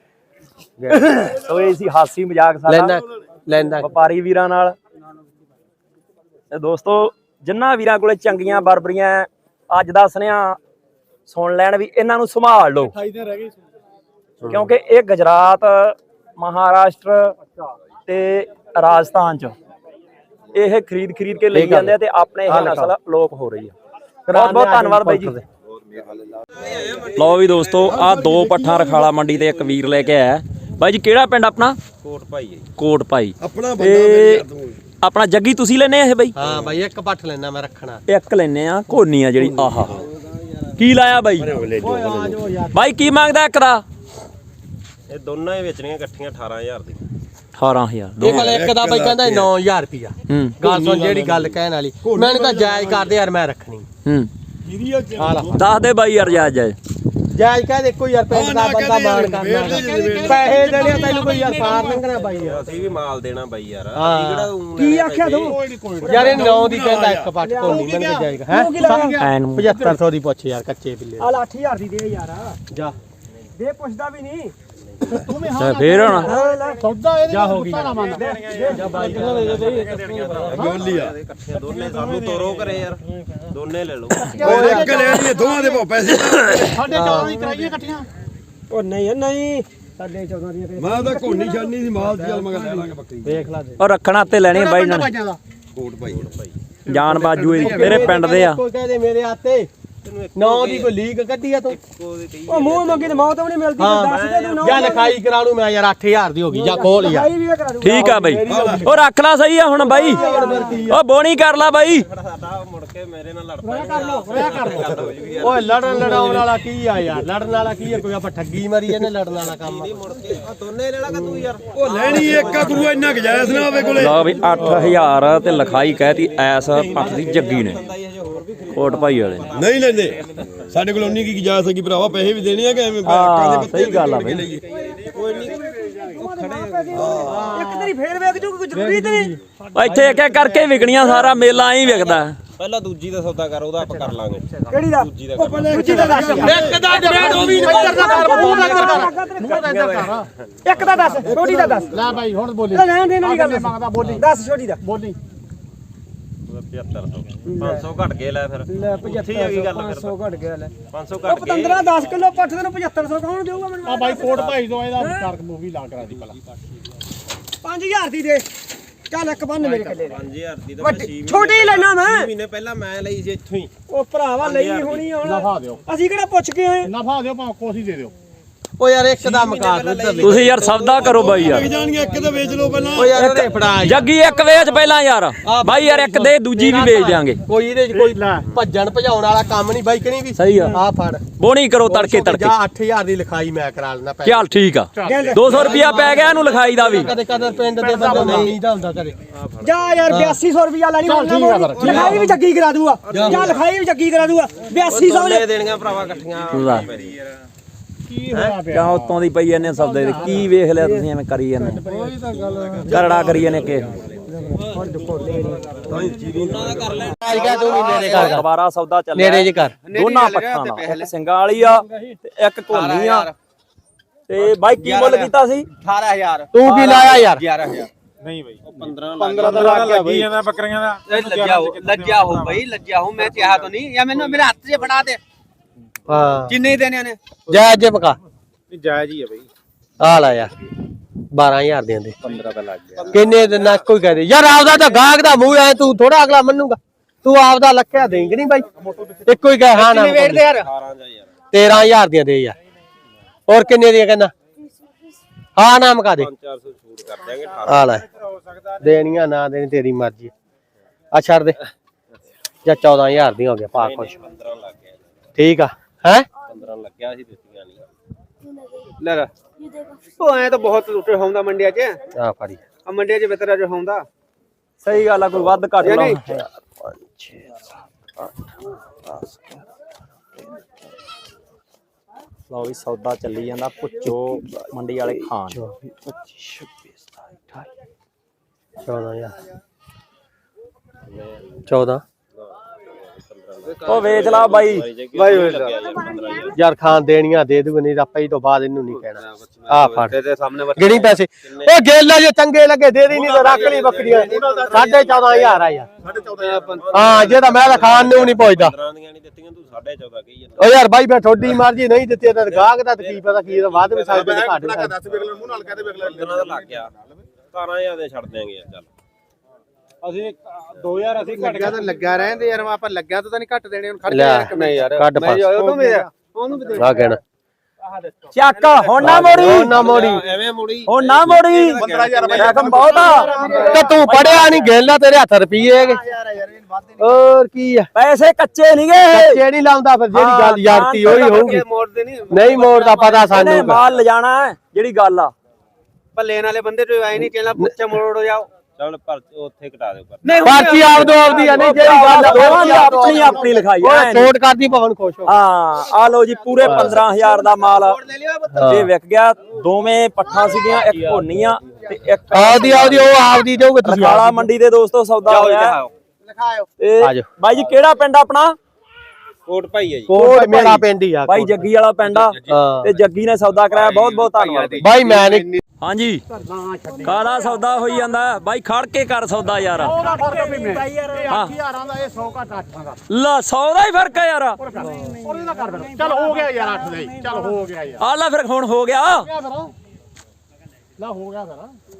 ਸੋ ਇਹ ਸੀ ਹਾਸੀ ਮਜ਼ਾਕ ਸਾਡਾ
ਲੈਂਦਾ
ਵਪਾਰੀ ਵੀਰਾਂ ਨਾਲ। ਤੇ ਦੋਸਤੋ ਜਿੰਨਾ ਵੀਰਾਂ ਕੋਲੇ ਚੰਗੀਆਂ ਬਰਬਰੀਆਂ ਅੱਜ ਦਾ ਸੁਨੇਹਾ ਸੁਣ ਲੈਣ ਵੀ ਇਹਨਾਂ ਨੂੰ ਸੰਭਾਲ ਲਓ, ਕਿਉਂਕਿ ਇਹ ਗੁਜਰਾਤ, ਮਹਾਰਾਸ਼ਟਰ ਤੇ ਰਾਜਸਥਾਨ ਚ ਇਹ ਖਰੀਦ ਕੇ ਲਈ ਜਾਂਦੇ ਆ ਤੇ ਆਪਣੇ ਇਹ ਨਸਲ ਅਲੋਪ ਹੋ ਰਹੀ ਆ। ਬਹੁਤ ਬਹੁਤ ਧੰਨਵਾਦ ਬਾਈ ਜੀ। ਲਓ ਵੀ ਦੋਸਤੋ ਆ 2 ਪੱਠਾਂ ਰਖਾਲਾ ਮੰਡੀ ਤੇ ਇੱਕ ਵੀਰ ਲੈ ਕੇ ਆਇਆ ਬਾਈ ਜੀ। ਕਿਹੜਾ ਪਿੰਡ ਆਪਣਾ? ਕੋਟ ਭਾਈ। ਕੋਟ ਭਾਈ ਆਪਣਾ ਜੱਗੀ ਤੁਸੀਂ ਲੈਨੇ ਆ ਇਹ ਬਾਈ?
ਹਾਂ ਬਾਈ ਇੱਕ ਪੱਠ ਲੈਣਾ ਮੈਂ ਰੱਖਣਾ।
ਇੱਕ ਲੈਨੇ ਆ ਘੋਨੀ ਆ ਜਿਹੜੀ। ਆਹਾ ਕੀ ਲਾਇਆ ਬਾਈ? ਬਾਈ ਕੀ ਮੰਗਦਾ ਇੱਕ ਦਾ?
ਇਹ ਦੋਨਾਂ ਹੀ ਵੇਚਣੀਆਂ ਇਕੱਠੀਆਂ 18000 ਦੀ।
18000
ਇਹ ਕੋਲ ਇੱਕ ਦਾ ਬਾਈ ਕਹਿੰਦਾ 9000 ਰੁਪਿਆ। ਗੱਲ ਸੁਣ ਜਿਹੜੀ ਗੱਲ ਕਹਿਣ ਵਾਲੀ, ਮੈਨੂੰ ਤਾਂ ਜਾਇਜ਼ ਕਰਦੇ ਯਾਰ, ਮੈਂ ਰੱਖਣੀ।
ਦੱਸ ਦੇ ਬਾਈ ਯਾਰ ਜਾਇਜ਼
ਜਾਇਜ਼ ਕਹਿ ਦੇ ਕੋਈ ਯਾਰ ਪਿੰਡ ਦਾ ਬੰਦਾ ਮਾਣ ਕਰਨਾ, ਪੈਸੇ ਦੇਣੇ ਤੈਨੂੰ ਕੋਈ ਯਾਰ ਪਾਰ ਲੰਘਣਾ ਬਾਈ ਯਾਰ।
ਅਸੀਂ ਵੀ ਮਾਲ ਦੇਣਾ ਬਾਈ ਯਾਰ।
ਕੀ ਆਖਿਆ ਤੂੰ ਯਾਰ? ਇਹ 9 ਦੀ ਕਹਿੰਦਾ ਇੱਕ ਪੱਟ ਕੋਲੀ ਮੈਨੂੰ ਤੇ ਜਾਏਗਾ ਹੈ 7500 ਦੀ ਪੁੱਛ ਯਾਰ ਕੱਚੇ ਬਿੱਲੇ।
ਆ 8000 ਦੀ ਦੇ ਯਾਰ,
ਜਾ
ਦੇ ਪੁੱਛਦਾ ਵੀ ਨਹੀਂ ਤੂੰ ਵੀ।
ਫੇਰ ਹੁਣ
ਸੌਦਾ ਇਹਦੇ
ਜਾ ਹੋ ਗਈ
ਨਾ ਮੰਨ
ਜਾ ਬਾਈ
ਇਕੱਠੇ ਦੋਨੇ ਸਾਨੂੰ ਤੋਰੋ ਕਰੇ ਯਾਰ, ਦੋਨੇ ਲੈ ਲਓ।
ਸਾਡੇ 14 ਦੀ ਕਰਾਈਏ ਇਕੱਠੀਆਂ। ਉਹ ਨਹੀਂ ਨਹੀਂ ਸਾਡੇ 14 ਦੀਆਂ
ਮੈਂ ਤਾਂ ਕੋਨੀ ਛੱਡਣੀ ਸੀ ਮਾਲ ਦੀ, ਚੱਲ ਮਗਰ ਲੈ ਲਾਂਗੇ ਬੱਕਰੀ।
ਦੇਖ ਲਾ ਦੇ
ਉਹ ਰੱਖਣਾ ਤੇ ਲੈਣੀ ਬਾਈ ਇਹਨਾਂ ਨੇ।
ਕੋਟ ਭਾਈ
ਜਾਨ ਬਾਜੂ ਇਹਦੀ ਤੇਰੇ ਪਿੰਡ ਦੇ ਆ।
ਕੋਈ ਕਹਦੇ ਮੇਰੇ ਹੱਥੇ 9 ਦੀ ਕੋਈ ਲੀਕ ਕੱਢੀ ਆ ਤੂੰ?
ਉਹ ਮੂੰਹ ਮੰਗੀ ਤੇ ਮੌਤ ਵੀ ਨਹੀਂ ਮਿਲਦੀ। ਦੱਸ ਦੇ ਤੂੰ
ਜਾਂ ਲਿਖਾਈ ਕਰਾ ਲੂ ਮੈਂ ਯਾਰ 8000 ਦੀ ਹੋ ਗਈ, ਜਾਂ ਖੋਲ ਯਾਰ।
ਵੀ ਕਰਾ ਦੂੰ।
ਠੀਕ ਆ ਬਾਈ, ਉਹ ਰੱਖ ਲਾ ਸਹੀ ਆ ਹੁਣ ਬਾਈ। ਉਹ ਬੋਣੀ ਕਰ ਲਾ ਬਾਈ।
ਕੇ ਮੇਰੇ ਨਾਲ ਲੜ
ਓਏ ਲੜਨ ਲੜਾਉਣ ਵਾਲਾ ਕੀ ਆ ਯਾਰ, ਲੜਨ ਵਾਲਾ ਕੀ ਆ, ਕੋਈ ਆਪਾਂ ਠੱਗੀ ਮਾਰੀ ਇਹਨੇ ਲੜਨ ਵਾਲਾ ਕੰਮ
ਮੁੜ ਕੇ ਆ ਦੋਨੇ ਲੈ ਲਾ ਤੂੰ ਯਾਰ।
ਉਹ ਲੈਣੀ ਇੱਕ ਆ ਗੁਰੂ ਇੰਨਾ ਗਜਾਇਸ ਨਾ ਹੋਵੇ ਕੋਲੇ।
ਲਓ ਵੀ 8000 ਤੇ ਲਿਖਾਈ ਕਹਿਤੀ ਐਸ ਪੱਠ ਦੀ ਜੱਗੀ ਨੇ ਕੋਟ ਭਾਈ ਵਾਲੇ ਨੇ।
ਨਹੀਂ ਲੈਂਦੇ ਸਾਡੇ ਕੋਲ ਉਨੀ ਕੀ ਗਜਾਇਸ ਹੈਗੀ ਭਰਾਵਾ, ਪੈਸੇ ਵੀ ਦੇਣੇ ਆ ਕਿ ਐਵੇਂ
ਹਾਂ ਸਹੀ ਗੱਲ ਆ ਬਈ।
ਇੱਕ ਤੇਰੀ ਫੇਰ ਵੇਖ ਜੂ ਕੋਈ ਜ਼ਰੂਰੀ ਤੇ ਨਹੀਂ।
ਇੱਥੇ ਇੱਕ ਇੱਕ ਕਰਕੇ ਵਿਕਣੀਆਂ, ਸਾਰਾ ਮੇਲਾ ਐਂ ਵਿਕਦਾ।
ਪਹਿਲਾਂ ਦੂਜੀ ਦਾ ਸੌਦਾ ਕਰ, ਉਹਦਾ ਆਪਾਂ ਕਰ ਲਾਂਗੇ।
ਕਿਹੜੀ ਦਾ?
ਦੂਜੀ ਦਾ
ਦੂਜੀ ਦਾ ਦੱਸ।
ਇੱਕ ਦਾ ਡਰੇਡ ਉਹ ਵੀ ਮੱਜਰ ਦਾ ਕਰ ਮੂੰਹ
ਇੱਕ ਦਾ ਦੱਸ, ਛੋਟੀ ਦਾ ਦੱਸ।
ਲੈ ਭਾਈ ਹੁਣ ਬੋਲੀ
ਲੈਣ ਦੇਣ ਵਾਲੀ ਗੱਲ ਮੰਗਦਾ, ਬੋਲੀ ਦੱਸ ਛੋਟੀ ਦਾ।
ਬੋਲੀ
7500 500 ਘਟ ਗਏ ਲੈ ਫਿਰ।
ਲੈ 7500 500 ਘਟ ਗਿਆ ਲੈ।
500
ਉਹ
ਘਟ ਗਏ।
15 10 ਕਿਲੋ ਪੱਠ ਤੈਨੂੰ 7500 ਕੌਣ ਦੇਊਗਾ ਮੈਨੂੰ?
ਆ ਭਾਈ ਕੋਟ ਭਾਈ ਤੋਂ ਇਹਦਾ ਕਾਰਕ ਮੂਵੀ ਲਾ ਕਰਾ ਦੀ ਭਲਾ
5000 ਦੀ ਦੇ। ਚੱਲ ਇੱਕ ਬੰਨ ਮੇਰੇ ਕੱਲੇ
5000 ਦੀ ਤਾਂ ਮੈਂ 6
ਛੋਟੀ ਹੀ ਲੈਣਾ ਮੈਂ।
ਮਹੀਨੇ ਪਹਿਲਾਂ ਮੈਂ ਲਈ ਸੀ ਇੱਥੋਂ ਹੀ।
ਉਹ ਭਰਾਵਾ ਲਈ ਹੋਣੀ ਹੁਣ।
ਨਫਾ ਦਿਓ,
ਅਸੀਂ ਕਿਹੜਾ ਪੁੱਛ ਕੇ ਆਏ?
ਨਫਾ ਦਿਓ ਭਾਵੇਂ ਕੋਸੀ ਦੇ ਦਿਓ। ਓ ਯਾਰ ਇੱਕ ਦਾ ਮਕਾ
ਤੁਸੀਂ ਯਾਰ ਸੌਦਾ ਕਰੋ ਬਾਈ ਯਾਰ।
ਜਾਣਗੇ ਇੱਕ ਤਾਂ ਵੇਚ ਲਓ ਪਹਿਲਾਂ।
ਓ ਯਾਰ ਇਹਦੇ ਫੜਾ
ਜੱਗੀ ਇੱਕ ਵੇਚ ਪਹਿਲਾਂ ਯਾਰ ਬਾਈ ਯਾਰ, ਇੱਕ ਦੇ ਦੂਜੀ ਵੀ ਵੇਚ ਦਿਆਂਗੇ।
ਕੋਈ ਇਹਦੇ ਚ ਕੋਈ ਭੱਜਣ ਭਜਾਉਣ ਵਾਲਾ ਕੰਮ ਨਹੀਂ ਬਾਈ, ਕਣੀ ਵੀ
ਸਹੀ ਆ।
ਆ ਫੜ
ਬੋਣੀ ਕਰੋ ਤੜਕੇ ਤੜਕੇ।
ਜਾ 8000 ਦੀ ਲਿਖਾਈ ਮੈਂ ਕਰਾ ਲੈਣਾ ਪੈ।
ਚੱਲ ਠੀਕ ਆ, 200 ਰੁਪਿਆ ਪੈ ਗਿਆ ਇਹਨੂੰ ਲਿਖਾਈ ਦਾ ਵੀ।
ਕਦੇ ਕਦੇ ਪਿੰਡ ਦੇ ਬੰਦੇ ਨਹੀਂ ਦਾ ਹੁੰਦਾ ਕਦੇ।
ਜਾ ਯਾਰ 8200 ਰੁਪਿਆ ਲੈਣੀ ਹੁਣ ਨਾ। ਲਿਖਾਈ ਵੀ ਜੱਗੀ ਕਰਾ ਦੂਗਾ। ਜਾ ਲਿਖਾਈ ਵੀ ਜੱਗੀ ਕਰਾ ਦੂਗਾ। 8200
ਲੈ ਦੇਣੀਆਂ ਭਰਾਵਾ ਇਕੱਠੀਆਂ।
ਕੀ ਹੋਇਆ ਪਿਆ?
ਕਿਉਂ ਉੱਤੋਂ ਦੀ ਪਈ ਜਾਂਦੇ ਸੌਦੇ ਦੇ? ਕੀ ਵੇਖ ਲਿਆ ਤੁਸੀਂ ਐਵੇਂ ਕਰੀ ਜਾਂਦੇ? ਕਰੜਾ ਕਰੀ ਜਾਂਦੇ ਕਿ ਦੁਬਾਰਾ ਸੌਦਾ ਚੱਲਿਆ
ਨੇੜੇ ਜੇ ਕਰ।
ਦੋਨਾਂ ਪੱਠਾਂ ਦਾ, ਇੱਕ ਸਿੰਗਾਂ ਵਾਲੀ ਆ ਤੇ ਇੱਕ ਕੋਨੀ ਆ। ਤੇ ਬਾਈ ਕੀ ਮੁੱਲ ਕੀਤਾ ਸੀ?
18000
ਤੂੰ ਕੀ ਲਾਇਆ ਯਾਰ?
11000
15 ਦਾ ਲੱਗ ਗਿਆ ਬਈ।
ਲੱਜਾ ਹੋ ਭਾਈ, ਲੱਜਾ ਹੋ। ਮੈਂ ਚਾਹਾ ਤਾਂ ਨਹੀਂ ਜਾਂ ਮੈਨੂੰ ਮੇਰੇ ਹੱਥ 'ਚ ਫੜਾ ਦੇ।
ਹਾਂ
ਕਿੰਨੇ ਦੇਣੇ ਨੇ?
ਜਾਇਜ਼ ਜੇ ਪਕਾ
ਜਾਇਜ਼ ਹੀ ਆ ਬਈ।
ਆ ਲਾ ਯਾਰ 12000 ਦੇ ਦੇ।
15 ਦਾ ਲੱਗ ਗਿਆ।
ਕਿੰਨੇ ਦੇ ਨਾ ਕੋਈ ਕਹਦੇ ਯਾਰ ਆਪਦਾ ਤਾਂ ਗਾਹਕ ਦਾ ਮੂੰਹ ਐ, ਤੂੰ ਥੋੜਾ ਅਗਲਾ ਮੰਨੂਗਾ। ਤੂੰ ਆਪਦਾ ਲੱਖਿਆ ਦੇਂਗੇ ਨਹੀਂ ਬਾਈ, ਇੱਕੋ ਹੀ ਕਹੇ ਹਾਂ ਨਾ।
ਵੇਟ ਦੇ ਯਾਰ
13000 ਦੀਆਂ ਦੇ ਯਾਰ। ਹੋਰ ਕਿੰਨੇ ਦੀਆਂ ਕਹਿੰਦਾ? ਹਾਂ ਨਾ ਮਕਾ ਦੇ।
400 ਛੂਟ ਕਰ ਦਿਆਂਗੇ।
ਆ ਲੈ ਦੇਣੀਆਂ ਨਾ ਦੇਣੀ ਤੇਰੀ ਮਰਜ਼ੀ ਆ, ਛੱਡ ਦੇ ਜਾਂ 14000 ਦੀਆਂ ਹੋ ਗਿਆ ਪਾ ਖੁਸ਼।
15 ਲੱਗ ਗਿਆ।
ਠੀਕ ਆ ਹੈ
15 ਲੱਗਿਆ ਸੀ, ਦਿੱਤੀਆਂ ਨਹੀਂ।
ਲੈ ਉਹ ਐ ਤਾਂ ਬਹੁਤ ਲੁੱਟੇ ਹੁੰਦਾ ਮੰਡੀਆਂ 'ਚ।
ਆ ਫੜੀ
ਆ ਮੰਡੀਆਂ 'ਚ ਬਿਤਰਾ ਜੋ ਹੁੰਦਾ।
ਸਹੀ ਗੱਲ ਆ, ਕੋਈ ਵੱਧ ਘੱਟ ਲਾ।
5 6 7 8 10
ਲਓ ਵੀ ਸੌਦਾ ਚੱਲੀ ਜਾਂਦਾ। ਪੁੱਛੋ ਮੰਡੀ ਵਾਲੇ ਖਾਨ
25 26 14000 14
ਉਹ ਵੇਚ ਲਾ ਬਾਈ।
ਯਾਰ ਖਾਨ ਦੇਣੀਆਂ ਦੇ ਦੂਗੇ, ਨਹੀਂ ਆਪਾਂ ਹੀ ਤੋਂ ਬਾਅਦ ਇਹਨੂੰ ਨਹੀਂ ਕਹਿਣਾ। ਆ ਫੜ
ਤੇਰੇ ਸਾਹਮਣੇ
ਗਿਣੀ ਪੈਸੇ। ਉਹ ਗੇਲਾ ਜੇ ਚੰਗੇ ਲੱਗੇ ਦੇ ਦੀ, ਨਹੀਂ ਤਾਂ ਰੱਖ ਲਈ ਬੱਕਰੀਆਂ। 14500 ਆ ਯਾਰ। ਹਾਂ ਜੇ ਤਾਂ ਮੈਂ ਤਾਂ ਖਾਨ ਨੂੰ ਨਹੀਂ ਪੁੱਛਦਾ।
15 ਦੀਆਂ ਨਹੀਂ ਦਿੱਤੀਆਂ, ਤੂੰ 14.5 ਕਹੀ ਜਾਂਦਾ।
ਓ ਯਾਰ ਬਾਈ ਮੈਂ ਤੁਹਾਡੀ ਮਰਜ਼ੀ, ਨਹੀਂ ਦਿੱਤੀ ਤਾਂ ਗਾਹਕ ਦਾ ਕੀ ਪਤਾ ਕੀ ਵੱਧ ਵੀ ਸਕਦੇ ਤੇ ਘੱਟ ਵੀ ਸਕਦੇ।
15 ਦਾ ਲੱਗ ਗਿਆ। 17000 ਦੇ ਛੱਡ ਦਿਆਂਗੇ ਯਾਰ। ਚੱਲ
ਅਸੀਂ 2000 ਅਸੀਂ ਘੱਟ
ਲੱਗਿਆ ਤਾਂ ਲੱਗਾ ਰਹਿੰਦੇ ਯਾਰ। ਆਪਾਂ ਲੱਗਿਆ ਤਾਂ ਨਹੀਂ ਘੱਟ ਦੇਣੇ। ਹੁਣ ਖੜ
ਲੈ ਨਹੀਂ ਯਾਰ ਕੱਢ ਪਾ
ਉਹਨੂੰ ਵੀ ਉਹਨੂੰ ਵੀ
ਆ ਕਹਿਣਾ
ਚੱਕ ਹੁਣ ਨਾ ਮੋੜੀ,
ਹੁਣ ਨਾ ਮੋੜੀ,
ਐਵੇਂ ਮੁੜੀ
ਹੁਣ ਨਾ ਮੋੜੀ। ਰਕਮ ਬਹੁਤ ਆ।
ਤੇ ਤੂੰ ਪੜਿਆ ਨਹੀਂ, ਗੇਲਾ ਤੇਰੇ ਹੱਥ ਰੁਪਈਏ ਹੈਗੇ। ਹੋਰ ਕੀ ਆ,
ਪੈਸੇ ਕੱਚੇ ਨਹੀਂ ਗਏ।
ਕੱਚੇ ਨਹੀਂ ਲਾਉਂਦਾ ਫਿਰ। ਜਿਹੜੀ ਗੱਲ ਯਾਰਤੀ ਉਹੀ ਹੋਊਗੀ।
ਮੋੜਦੇ ਨਹੀਂ।
ਨਹੀਂ ਮੋੜਦਾ ਪਤਾ ਸਾਨੂੰ।
ਇਹਨੇ ਮਾਲ ਲਿਜਾਣਾ ਹੈ, ਜਿਹੜੀ ਗੱਲ ਆ।
ਭੱਲੇਣ ਵਾਲੇ ਬੰਦੇ ਤੋਂ ਆਏ ਨਹੀਂ ਕਹਿੰਦਾ ਪੁੱਛੇ ਮੋੜੋ ਜਾਓ।
ਚੱਲ ਪਰ ਉੱਥੇ ਘਟਾ ਦਿਓ।
ਪਰਚੀ ਆਪਦੋ ਆਪਦੀ ਆ, ਨਹੀਂ ਜਿਹੜੀ ਗੱਲ
ਦੋਵਾਂ ਦੀ ਆਪਣੀ ਆਪਣੀ ਲਿਖਾਈ
ਓਏ
ਐ।
ਛੋਟ ਕਰਦੀ ਭਵਨ ਖੁਸ਼ ਹੋ।
ਹਾਂ ਆ ਲੋ ਜੀ, ਪੂਰੇ 15000 ਦਾ ਮਾਲ ਇਹ ਵਿਕ ਗਿਆ। ਦੋਵੇਂ ਪੱਠਾਂ ਸੀਗੀਆਂ, ਇੱਕ ਭੋਨੀਆਂ ਤੇ ਇੱਕ
ਆਪਦੀ ਆਪਦੀ ਉਹ ਆਪਦੀ ਜਾਊਗੇ ਤੁਸੀਂ।
ਕਾਲਾ ਮੰਡੀ ਦੇ ਦੋਸਤੋ ਸੌਦਾ ਹੋਇਆ।
ਲਿਖਾਓ
ਤੇ ਬਾਈ ਜੀ ਕਿਹੜਾ ਪਿੰਡ ਆਪਣਾ?
ਕੋਟ ਭਾਈ ਹੈ ਜੀ।
ਕੋਟ ਮੇਰਾ ਪਿੰਡ ਹੀ ਆ
ਬਾਈ ਜੱਗੀ ਵਾਲਾ ਪਿੰਡ ਆ। ਤੇ ਜੱਗੀ ਨੇ ਸੌਦਾ ਕਰਾਇਆ, ਬਹੁਤ ਬਹੁਤ ਧੰਨਵਾਦ
ਬਾਈ। ਮੈਂ ਨਹੀਂ
ਹਾਂਜੀ ਕਾਲਾ ਸੌਦਾ ਹੋਈ ਜਾਂਦਾ ਬਾਈ, ਖੜ ਕੇ ਕਰ ਸੌਦਾ ਯਾਰ। ਹਾਂ
8000 ਦਾ ਇਹ 100 ਘੱਟ 8 ਦਾ।
ਲਾ 100 ਦਾ ਹੀ ਫਰਕ ਹੈ ਯਾਰ।
ਉਹਦੇ ਦਾ ਕਰ ਫਿਰ। ਚੱਲ ਹੋ ਗਿਆ ਯਾਰ 8 ਦਾ ਹੀ। ਚੱਲ ਹੋ ਗਿਆ ਯਾਰ।
ਆ ਲੈ ਫਿਰ ਹੁਣ ਹੋ ਗਿਆ।
ਲਾ ਹੋ ਗਿਆ ਫਿਰ।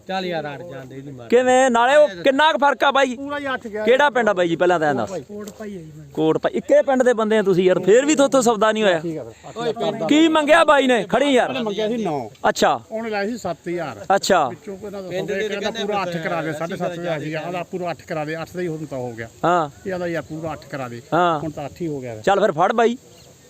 ਚੱਲ ਯਾਰ ਅੜ ਜਾਂਦੇ ਇਹਦੀ ਮਾਰ
ਕਿਵੇਂ ਨਾਲੇ ਉਹ ਕਿੰਨਾ ਕੁ ਫਰਕ ਆ ਬਾਈ
ਪੂਰਾ ਹੀ 8 ਗਿਆ
ਕਿਹੜਾ ਪਿੰਡ ਆ ਬਾਈ ਜੀ ਪਹਿਲਾਂ ਤਾਂ ਇਹ ਦੱਸ
ਕੋਟ ਪਾਈ ਹੈ ਜੀ
ਕੋਟ ਭਾਈ ਇੱਕੇ ਪਿੰਡ ਦੇ ਬੰਦੇ ਆ ਤੁਸੀਂ ਯਾਰ ਫੇਰ ਵੀ ਤੁਹਾਤੋਂ ਸੌਦਾ ਨਹੀਂ ਹੋਇਆ ਕੀ ਮੰਗਿਆ ਬਾਈ ਨੇ ਖੜੀ ਯਾਰ
ਮੰਗਿਆ ਸੀ 9
ਅੱਛਾ
ਉਹਨੇ ਲਾਇਆ ਸੀ 7000
ਅੱਛਾ
ਚੋਂ ਇਹਨਾਂ ਦਾ ਕਹਿੰਦਾ ਪੂਰਾ 8 ਕਰਾ ਦੇ 7.5 ਹਜ਼ਾਰ ਸੀਗਾ ਆਲਾ ਪੂਰਾ 8 ਕਰਾ ਦੇ 8 ਦਾ ਹੀ ਹੁਣ ਤਾਂ ਹੋ ਗਿਆ
ਹਾਂ
ਇਹਦਾ ਯਾਰ ਪੂਰਾ 8 ਕਰਾ ਦੇ
ਹਾਂ
ਹੁਣ ਤਾਂ 8 ਹੀ ਹੋ ਗਿਆ
ਚੱਲ ਫਿਰ ਫੜ ਬਾਈ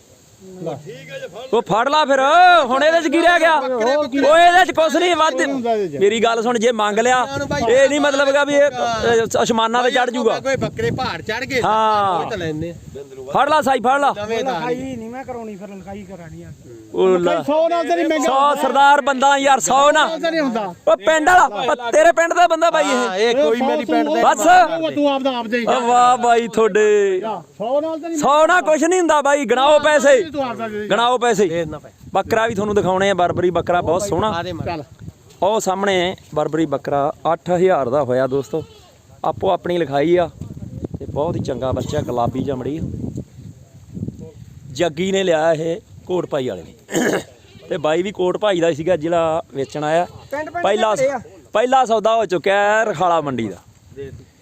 ਉਹ ਫੜ ਲਾ ਫਿਰ ਹੁਣ ਇਹਦੇ ਚ ਕੀ ਰਹਿ ਗਿਆ ਉਹ ਇਹਦੇ ਚ ਕੁਛ ਨਹੀਂ ਵੱਧ ਮੇਰੀ ਗੱਲ ਸੁਣ ਜੇ ਮੰਗ ਲਿਆ ਇਹ ਨਹੀਂ ਮਤਲਬ ਹੈਗਾ ਵੀ ਇਹ ਅਸਮਾਨਾਂ ਤੇ ਚੜ ਜੂਗਾ
ਕੋਈ ਬੱਕਰੇ ਪਹਾੜ ਚੜ ਗਏ
ਹਾਂ
ਤਾਂ ਲੈਣੇ
ਫੜ ਲਾ ਸਾਈ ਫੜ ਲਾ
ਲਿਖਾਈ ਨਹੀਂ ਮੈਂ ਕਰਾਉਣੀ ਫਿਰ ਲਿਖਾਈ ਕਰਾਣੀ ਆ
ਉਹ ਲੈ
100 ਨਾਲ ਤਾਂ ਨਹੀਂ ਮਹਿੰਗਾ
100 ਸਰਦਾਰ ਬੰਦਾ ਯਾਰ 100 ਨਾ
ਨਹੀਂ ਹੁੰਦਾ
ਉਹ ਪਿੰਡ ਵਾਲਾ ਤੇਰੇ ਪਿੰਡ ਦਾ ਬੰਦਾ ਬਾਈ
ਇਹ ਕੋਈ ਮੇਰੀ ਪਿੰਡ ਦੇ
ਬਸ
ਤੂੰ ਆਪਦਾ ਆਪ ਦੇ
ਵਾਹ ਬਾਈ ਤੁਹਾਡੇ
100 ਨਾਲ ਤਾਂ ਨਹੀਂ
100 ਨਾ ਕੁਛ ਨਹੀਂ ਹੁੰਦਾ ਬਾਈ ਗਣਾਓ ਪੈਸੇ
ਤੂੰ ਆਪਦਾ ਦੇ
ਗਣਾਓ ਪੈਸੇ ਬੱਕਰਾ ਵੀ ਤੁਹਾਨੂੰ ਦਿਖਾਉਣੇ ਆ ਬਰਬਰੀ ਬੱਕਰਾ ਬਹੁਤ ਸੋਹਣਾ
ਚੱਲ
ਉਹ ਸਾਹਮਣੇ ਬਰਬਰੀ ਬੱਕਰਾ 8000 ਦਾ ਹੋਇਆ ਦੋਸਤੋ ਆਪੋ ਆਪਣੀ ਲਿਖਾਈ ਆ ਤੇ ਬਹੁਤ ਹੀ ਚੰਗਾ ਬੱਚਾ ਗੁਲਾਬੀ ਚਮੜੀ ਜੱਗੀ ਨੇ ਲਿਆ ਇਹ ਕੋਟ ਭਾਈ ਵਾਲੇ ਨੇ ਤੇ ਬਾਈ ਵੀ ਕੋਟ ਭਾਈ ਦਾ ਸੀਗਾ ਜਿਹੜਾ ਵੇਚਣ ਆਇਆ ਪਹਿਲਾ ਸੌਦਾ ਹੋ ਚੁੱਕਿਆ ਹੈ ਰਖਾਲਾ ਮੰਡੀ ਦਾ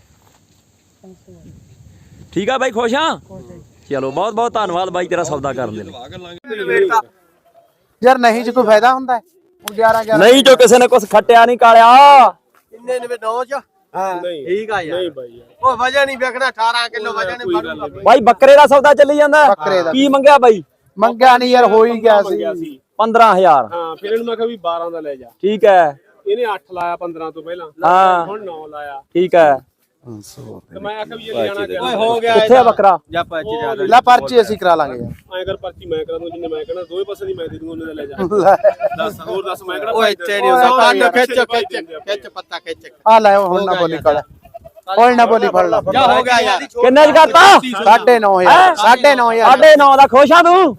ਠੀਕ ਆ ਬਾਈ ਖੁਸ਼ ਆ ਚਲੋ ਬਹੁਤ ਬਹੁਤ ਧੰਨਵਾਦ ਬਾਈ ਤੇਰਾ ਸੌਦਾ ਕਰਨ ਦੇ ਲਈ
ਯਾਰ ਨਹੀਂ ਜੇ ਕੋਈ ਫਾਇਦਾ ਹੁੰਦਾ 11
ਨਹੀਂ ਜੋ ਕਿਸੇ ਨੇ ਕੁਝ ਖੱਟਿਆ ਨਹੀਂ ਕਾਲਿਆ
ਕਿੰਨੇ ਨੇ 9 ਚ ਹਾਂ ਠੀਕ ਆ ਯਾਰ ਨਹੀਂ ਬਾਈ ਉਹ ਵਜਨ ਨਹੀਂ ਵੇਖਣਾ 18 ਕਿਲੋ ਵਜਨ ਨਹੀਂ ਫੜੂਗਾ
ਬਾਈ ਬੱਕਰੇ ਦਾ ਸੌਦਾ ਚੱਲੀ ਜਾਂਦਾ ਕੀ ਮੰਗਿਆ ਬਾਈ
ਮੰਗਿਆ ਨਹੀਂ ਯਾਰ ਹੋ ਹੀ ਗਿਆ ਸੀ
15000
ਹਾਂ ਫਿਰ ਇਹਨੂੰ ਮੈਂ ਕਿਹਾ ਵੀ 12 ਦਾ ਲੈ ਜਾ
ਠੀਕ ਹੈ
ਇਹਨੇ 8 ਲਾਇਆ 15 ਤੋਂ ਪਹਿਲਾਂ
ਹਾਂ
ਹੁਣ 9 ਲਾਇਆ
ਠੀਕ ਹੈ
ਤੇ ਮੈਂ ਆਖਿਆ ਵੀ ਜੇ ਲਿਆਣਾ
ਓਏ ਹੋ ਗਿਆ
ਕਿੱਥੇ ਆ ਬੱਕਰਾ
ਜਾਂ ਪੱਚੀ ਜ਼ਿਆਦਾ
ਲੈ ਪਰਚੀ ਅਸੀਂ ਕਰਾ ਲਾਂਗੇ ਯਾਰ
ਐਂ ਕਰ ਪਰਚੀ ਮੈਂ ਕਰਾ ਦੂੰ ਜਿੰਨੇ ਮੈਂ ਕਹਿਣਾ ਦੋਵੇਂ ਪਾਸੇ ਦੀ ਮੈਂ ਦੇ ਦੂੰ ਉਹਨੇ ਦਾ ਲੈ ਜਾ ਦੱਸ ਹੋਰ ਦੱਸ ਮੈਂ ਕਿਹੜਾ
ਓਏ ਇੱਥੇ ਨਹੀਂ ਹੁੰਦਾ ਕੰਨ ਖਿੱਚ ਪੱਤਾ ਖਿੱਚ
ਆ ਲੈ ਹੁਣ ਨਾ ਬੋਲੀ ਕਾਲਾ ਹੁਣ ਨਾ ਬੋਲੀ ਫੜ ਲਾ
ਜਾ ਹੋ ਗਿਆ ਯਾਰ
ਕਿੰਨੇ ਚ ਕਰਤਾ
9.5
9.5 ਦਾ ਖੁਸ਼ ਆ ਤੂੰ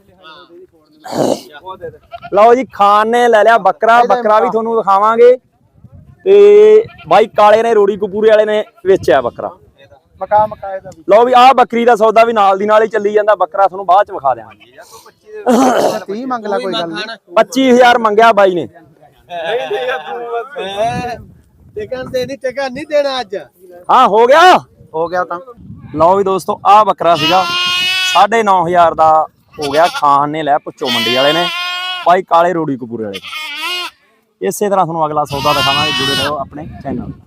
ਲਓ ਜੀ ਖਾਨ ਨੇ ਲੈ ਲਿਆ ਬੱਕਰਾ ਵੀ ਤੁਹਾਨੂੰ ਦਿਖਾਵਾਂਗੇ ਤੇ ਬਾਈ ਕਾਲੇ ਨੇ ਰੋੜੀ ਕਪੂਰੇ ਵਾਲੇ ਨੇ ਵੇਚਿਆ ਬੱਕਰਾ
ਮਕਾਏ ਦਾ
ਲਓ ਵੀ ਆਹ ਬੱਕਰੀ ਦਾ ਸੌਦਾ ਵੀ ਨਾਲ ਦੀ ਨਾਲ ਹੀ ਚੱਲੀ ਜਾਂਦਾ ਬੱਕਰਾ ਤੁਹਾਨੂੰ ਬਾਅਦ ਚ ਵਿਖਾ ਦਿਆਂਗੇ
30 ਮੰਗ ਲੈ ਕੋਈ ਗੱਲ ਨਹੀਂ
25000 ਮੰਗਿਆ ਬਾਈ ਨੇ
ਟਿਕਣ ਦੇ ਨਹੀਂ ਟਿਕਣ ਨਹੀਂ ਦੇਣਾ ਅੱਜ
ਹਾਂ ਹੋ ਗਿਆ
ਤਾਂ
ਲਓ ਵੀ ਦੋਸਤੋ ਆਹ ਬੱਕਰਾ ਸੀਗਾ 9500 ਦਾ ਹੋ ਗਿਆ ਖਾਨ ਨੇ ਲੈ ਪੁੱਛੋ ਮੰਡੀ ਵਾਲੇ ਨੇ ਬਾਈ ਕਾਲੇ ਰੋੜੀ ਕਪੂਰੇ ਵਾਲੇ ਇਸੇ ਤਰ੍ਹਾਂ ਤੁਹਾਨੂੰ ਅਗਲਾ ਸੌਦਾ ਦਿਖਾਵਾਂਗੇ ਜੁੜੇ ਰਹੋ ਆਪਣੇ ਚੈਨਲ